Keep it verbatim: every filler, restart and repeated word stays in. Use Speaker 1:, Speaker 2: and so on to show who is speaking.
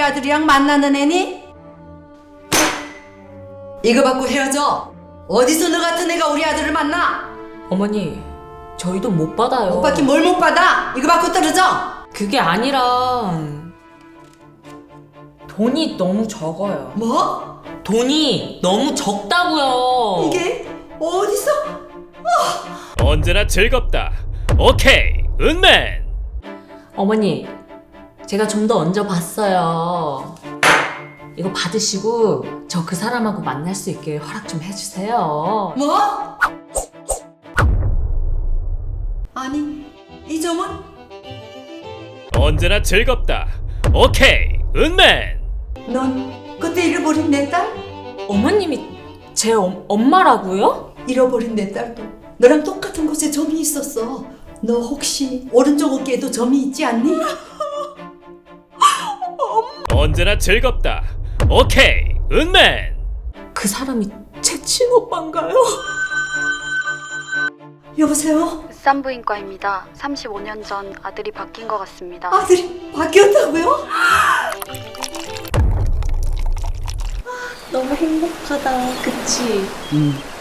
Speaker 1: 우리 아들이랑 만나는 애니? 이거 받고 헤어져. 어디서 너 같은 애가 우리 아들을 만나?
Speaker 2: 어머니, 저희도 못 받아요.
Speaker 1: 못 받긴 뭘 못 받아? 이거 받고 떨어져.
Speaker 2: 그게 아니라 돈이 너무 적어요.
Speaker 1: 뭐?
Speaker 2: 돈이 너무 적다고요.
Speaker 1: 이게 어디서?
Speaker 3: 언제나 즐겁다. 오케이, 은맨.
Speaker 2: 어머니, 제가 좀 더 얹어봤어요. 이거 받으시고 저 그 사람하고 만날 수 있게 허락 좀 해주세요.
Speaker 1: 뭐? 아니, 이 점은?
Speaker 3: 언제나 즐겁다. 오케이, 은맨.
Speaker 1: 넌 그때 잃어버린 내 딸?
Speaker 2: 어머님이 제 엄, 엄마라고요?
Speaker 1: 잃어버린 내 딸도 너랑 똑같은 곳에 점이 있었어. 너 혹시 오른쪽 어깨에도 점이 있지 않니?
Speaker 3: 언제나 즐겁다. 오케이, 은맨.
Speaker 2: 그 사람이 제 친오빠인가요?
Speaker 1: 여보세요?
Speaker 4: 산부인과입니다. 삼십오 년 전 아들이 바뀐 것 같습니다.
Speaker 1: 아들이 바뀌었다고요?
Speaker 2: 너무 행복하다, 그치?
Speaker 1: 응.